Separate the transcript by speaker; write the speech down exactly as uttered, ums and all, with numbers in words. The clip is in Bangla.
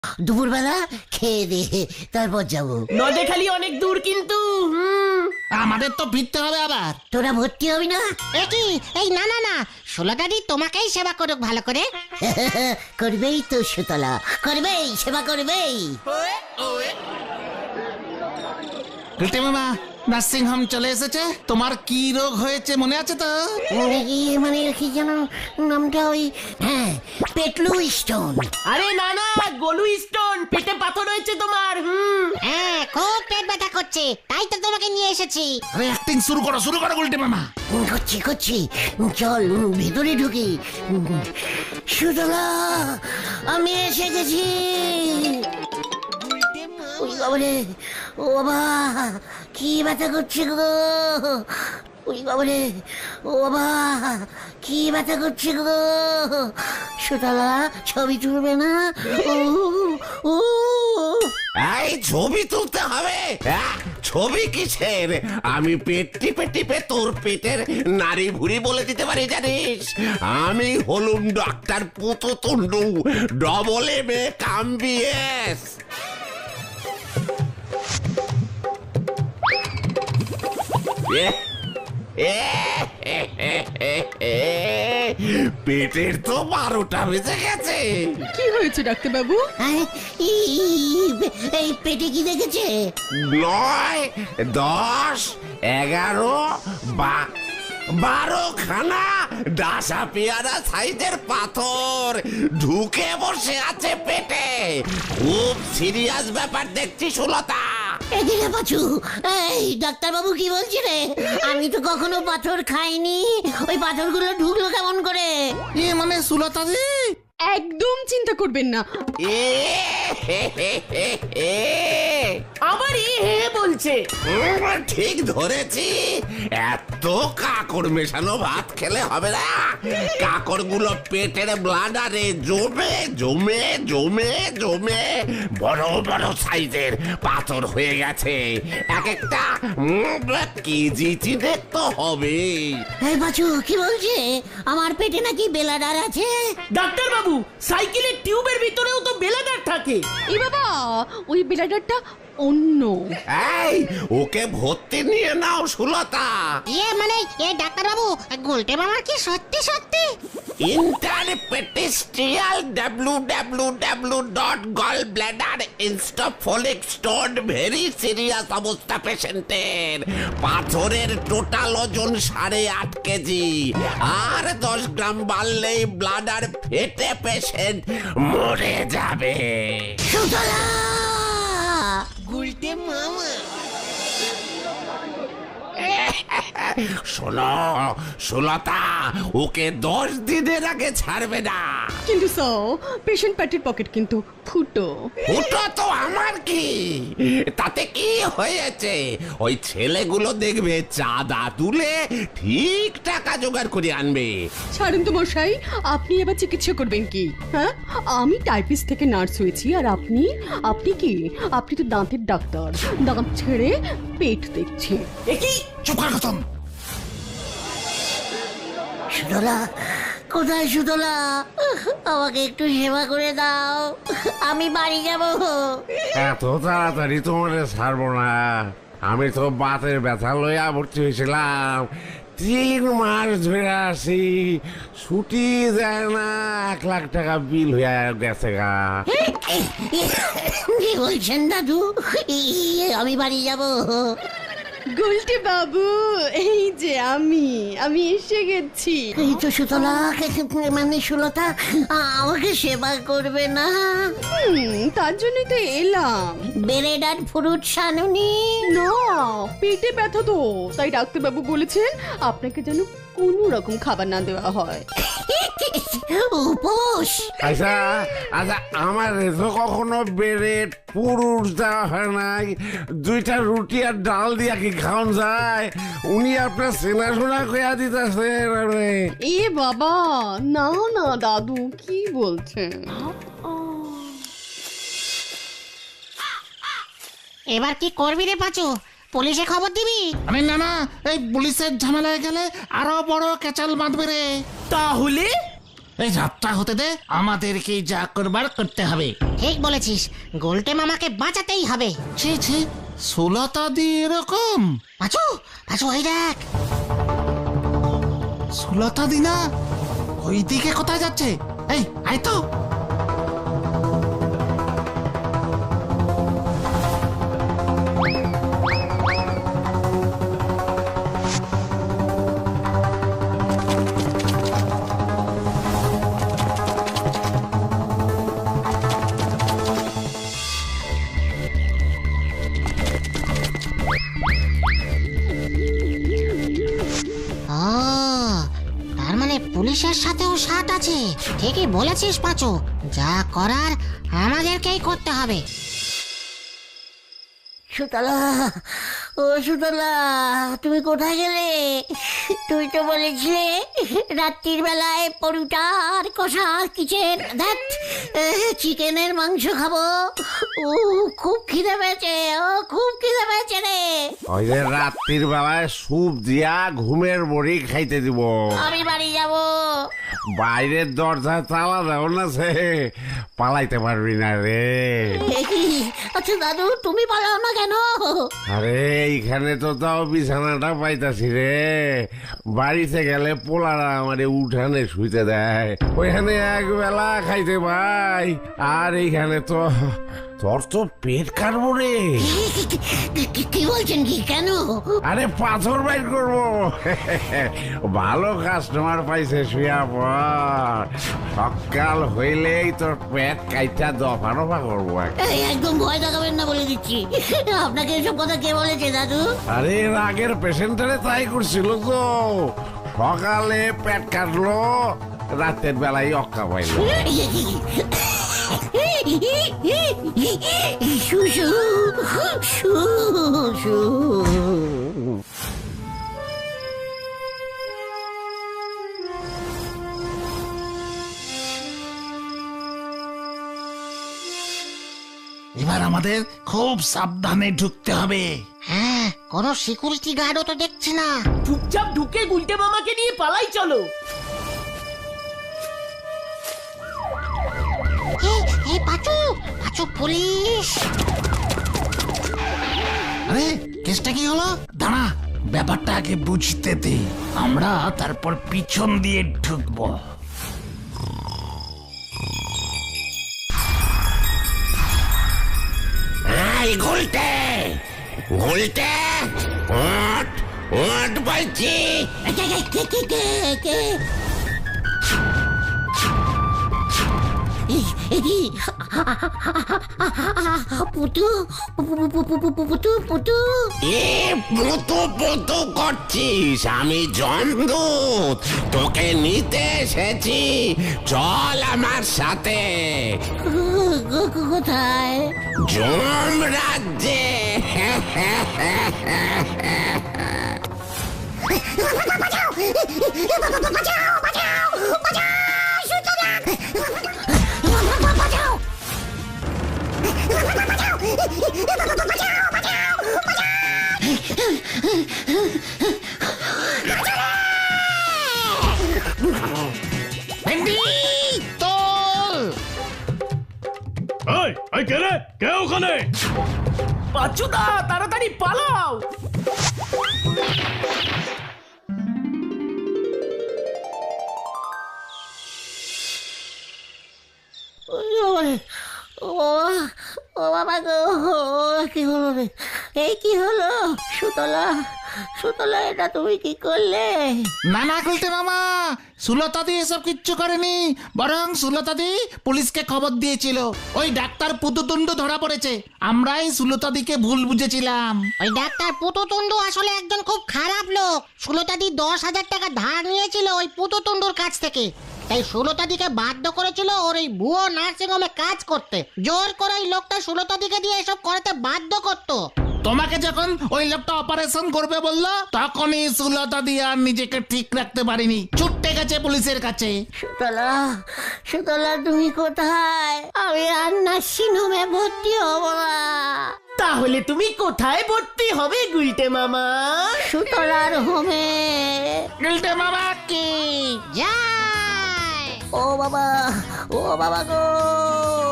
Speaker 1: দুপুরবেলা খেয়ে দে, তারপর যাবো।
Speaker 2: নদে খালি অনেক দূর কিন্তু। হুম,
Speaker 3: আমাদের তো ফিরতে হবে আবার।
Speaker 1: তোরা ভর্তি হবি না?
Speaker 4: একই এই না না না ষোলোটারই তোমাকেই সেবা করুক ভালো করে।
Speaker 1: করবেই তো সুতলা, করবেই, সেবা করবেই।
Speaker 3: গুলটে মামা, নার্সিং হোম চলে এসেছে। তোমার কি রোগ হয়েছে মনে আছে তো?
Speaker 1: ইয়ে মানে কি যেন নামটা, ওই হ্যাঁ, পেটলু স্টোন।
Speaker 2: আরে না না, গলু স্টোন, পেটে পাথর হয়েছে তোমার। হুম,
Speaker 4: হ্যাঁ খুব পেট ব্যথা করছে, তাই তো তোমাকে নিয়ে এসেছি।
Speaker 3: আরে অ্যাক্টিং শুরু করো, শুরু করো গুলটে মামা।
Speaker 1: করছি করছি, চল ভেতরে ঢুকি। সুতলা, আমি এসে গেছি। ওই বাবারে, ও বাবা, কি ব্যথা করছে গো। ওই বাবারে, ও বাবা, কি ব্যথা করছে গো। সুতলা, ছবি তুলবে না? ও ও
Speaker 5: এই ছবি তুলতে হবে? আহ, ছবি কিসের? আমি পেট টিপে টিপে তোর পেটের নারী ভুড়ি বলে দিতে পারি জানিস? আমি হলুম doctor Pututundu, double M A cum B S. পেটের তো বারোটা বেজে গেছে।
Speaker 6: কি হয়েছে ডাক্তার বাবু?
Speaker 1: আরে, ই- এই পেটে কি দেখেছে?
Speaker 5: নয়, দশ, এগারো, বা বারো খানা ডাসা পেয়ারা সাইজের পাথর ঢুকে বসে আছে পেটে। খুব সিরিয়াস ব্যাপার দেখছি সুলতা।
Speaker 1: এদিকে পাচু, এই ডাক্তারবাবু কি বলছি রে? আমি তো কখনো পাথর খাইনি, ওই পাথরগুলো ঢুকলো কেমন করে?
Speaker 3: এ মানে সুলতা দি,
Speaker 6: একদম চিন্তা করবেন না।
Speaker 5: এ হে হে হে হে।
Speaker 2: আবার এ হে বলছে।
Speaker 5: উম, ঠিক ধরেছি। এত কাকড় মেশানো ভাত খেলে হবে না। কাকড় গুলো পেটের ব্লাডারে জমে জমে জমে জমে বড় বড় সাইজের পাথর হয়ে গেছে। এক একটা উম, কেজি চিনে তো হবে।
Speaker 1: এই পাচু কি বলছে? আমার পেটে নাকি বেলাডার আছে?
Speaker 2: ডাক্তার বাবু, সাইকেলের টিউবের ভিতরেও তো বেলাদার থাকে।
Speaker 6: এ বাবা, ওই ব্লাডারটা অন্য।
Speaker 5: এই ওকে ভর্তি নিয়ে নাও সুলতা।
Speaker 4: ইয়ে মানে এ ডাক্তার বাবু, গুলটে মামার কি সত্যি সত্যি?
Speaker 5: ইন্টারপেটিস্ট্রিয়াল W W W dot gall bladder ইনস্টফলিক স্টোন ভেরি সিরিয়াস অবস্থা পেশেন্টের। পাথরের টোটাল ওজন সাড়ে আট কেজি, আর দশ গ্রাম বাড়লেই ব্লাডার ফেটে পেশেন্ট মরে যাবে।
Speaker 1: সুতলা!
Speaker 5: শোনো সুলতা, ওকে দশ দিনের আগে ছাড়বে না।
Speaker 6: কিন্তু স্যার, পেশেন্ট পেটের পকেট কিন্তু ফুটো।
Speaker 5: ওটা তো আমার কি, তাতে কি হয়েছে? ওই ছেলেগুলো দেখবে চাঁদা তুলে ঠিক টাকা জোগাড় করে আনবে।
Speaker 6: ছাড়ুন তো মশাই, আপনি এবার চিকিৎসা করবেন কি? হ্যাঁ, আমি টাইপিস্ট থেকে নার্স হয়েছি, আর আপনি আপনি কি? আপনি তো দাঁতের ডাক্তার, দাঁত ছেড়ে পেট দেখছি।
Speaker 2: এ কি?
Speaker 3: চুপ কর খতম।
Speaker 1: সুতলা, কোথায় সুতলা? আমাকে একটু সেবা করে দাও, আমি বাড়ি যাব।
Speaker 5: এত তাড়াতাড়ি তোমার ছাড়বো না। আমি তো বাতের ব্যথা লইয়া ভর্তি হয়েছিলাম। তিন মাস ধরে আসি, ছুটি যায় না। এক লাখ টাকা বিল হয়ে গেছে গা।
Speaker 1: কি বলছেন দাদু? ইয়ে, আমি বাড়ি যাব।
Speaker 6: গুলটে বাবু, এই যে আমি আমি এসে গেছি।
Speaker 1: এই তো সুতলা, মানে সুলতা আমাকে সেবা করবে না?
Speaker 6: হুম, তার জন্যই তো এলাম।
Speaker 1: ব্রেড আর ফ্রুট সানুনি?
Speaker 6: না, পেটে ব্যথা তো, তাই ডাক্তার বাবু বলেছেন আপনাকে যেন কোনো রকম খাবার না দেওয়া হয়।
Speaker 1: উপোস?
Speaker 5: আচ্ছা আচ্ছা, আমার তো কখনো বেড়ে পুরুষ দেওয়া হয় নাই। দুইটা রুটি আর ডাল দিয়া কি খাওয়ান যায়? উনি আপনার চেনাশোনা কইয়া দিতেছেন।
Speaker 6: এ বাবা, না না দাদু, কি বলছেন?
Speaker 4: এবার কি করবি রে পাচু? পুলিশে খবর দিবি?
Speaker 3: আরে না না, এই পুলিশের ঝামেলায় গেলে আরো বড় কেচাল বাঁধবে রে।
Speaker 2: তাহলে
Speaker 3: এই যাত্রা হতে দে, আমাদেরকে যা করবার করতে হবে।
Speaker 4: ঠিক বলেছিস, গোলটে মামাকে বাঁচাতেই হবে।
Speaker 3: ছি ছি, সুলতা দি এরকম?
Speaker 4: পাঁচু পাঁচু ওই দেখ।
Speaker 3: সুলতা দি না? ওই দিকে কোথায় যাচ্ছে? এই আয় তো।
Speaker 4: ও, তার মানে পুলিশের সাথেও সাথ আছে। ঠিকই বলেছিস পাঁচু, যা করার আমাদেরকেই করতে হবে।
Speaker 1: সুতলা, ও সুতলা, তুমি কোথায় গেলে? তুই তো বলেছিলে রাত্রির বেলায় পরোটার কষা কিচেন ধ্যাত চিকেনের মাংস খাবো। ও খুব খিদে পেয়েছে, ও খুব খিদে পেয়েছে রে।
Speaker 5: ওই যে রাত্রির বেলায় স্যুপ দিয়া ঘুমের বড়ি খাইতে দিব।
Speaker 1: আমি বাড়ি যাব।
Speaker 5: বাইরের দরজা তালা দেও না, সে পালাইতে পারবি না রে।
Speaker 1: আচ্ছা দাদু, তুমি পালাও না কেন?
Speaker 5: আরে এইখানে তো তাও বিছানাটা পাইতাছি রে। বাড়িতে গেলে পোলারা আমারে উঠানে শুইতে দেয়, ওইখানে এক বেলা খাইতে পাই। আর এইখানে তো তোর তো পেট কাটবো রে।
Speaker 1: কি বলছেন? কি কেন?
Speaker 5: আরে পাথর বাইর করবো। ভালো কাস্টমার পাইছে, শুয়া পর। সকাল হইলেই তোর পেট কাইটা দফা রফা করবো।
Speaker 1: এই, একদম ভয় দেখাবেন না বলে দিচ্ছি। আপনাকে এসব কথা কে বলেছে দাদু?
Speaker 5: আরে এর আগের পেশেন্টারে তাই করছিল তো। সকালে পেট কাটলো, রাতের বেলায় অক্কা পাইল।
Speaker 1: শুশু শুশু।
Speaker 3: এবার আমাদের খুব সাবধানে ঢুকতে হবে।
Speaker 4: হ্যাঁ, কোনো সিকিউরিটি গার্ডও তো দেখছি না।
Speaker 2: চুপচাপ ঢুকে গুলটে মামাকে নিয়ে পালাই চলো।
Speaker 4: এই, এই পাঁচু পাঁচু, পুলিশ।
Speaker 3: আরে কেসটা কি হলো? দাঁড়া, ব্যাপারটা আগে বুঝতে দে, আমরা তারপর পিছন দিয়ে ঢুকবো।
Speaker 5: এই গুলটে, গুলটে, ওঠ, ওঠ বলছি।
Speaker 1: কে কে কে কে কে? এই, এই কি? পুতু পুতু পুতু।
Speaker 5: এ পুতু পুতু করছিস? আমি জমদূত, তোকে নিতে এসেছি। চল আমার সাথে।
Speaker 1: কোথায়?
Speaker 5: জম রাজ্যে।
Speaker 7: এই, এই কে রে? কে ওখানে?
Speaker 2: পাঁচুদা, তাড়াতাড়ি পালাও।
Speaker 1: ও ও বাবা গো, কি হলো রে? এই কি হলো? সুতলা, সুতলা, এটা তুমি কি করলে?
Speaker 3: না না গুলটে মামা, সুলতা দি এসব কিচ্ছু করেনি, বরং সুলতা দি পুলিশকে খবর দিয়েছিল। ওই ডাক্তার পুতুতুন্ডু ধরা পড়েছে, আমরাই সুলতা দিকে ভুল বুঝেছিলাম।
Speaker 4: ওই ডাক্তার পুতুতুন্ডু আসলে একজন খুব খারাপ লোক। সুলতাদি দশ হাজার টাকা ধার নিয়েছিল ওই পুতুতুন্ডুর কাছ থেকে। তাই সুলতাদিকে বাধ্য করেছিল ওর এই ভুয়ো নার্সিং হোমে কাজ করতে। জোর করে ওই লোকটা সুলতাদিকে দিয়ে এসব করাতে বাধ্য করতো।
Speaker 3: তোমাকে যখন ওই লোকটা অপারেশন করবে বললো, তখনই সুলতা দি আর নিজেকে ঠিক রাখতে পারিনি, ছুটে গেছে পুলিশের কাছে।
Speaker 1: সুতলা, সুতলা, তুমি কোথায়? আমি আর নার্সিং হোমে ভর্তি হব না।
Speaker 2: তাহলে তুমি কোথায় ভর্তি হবে গুলটে মামা?
Speaker 1: সুতলার হোমে।
Speaker 3: গুলটে মামা কি
Speaker 4: যায়
Speaker 1: ও বাবা ও বাবা গো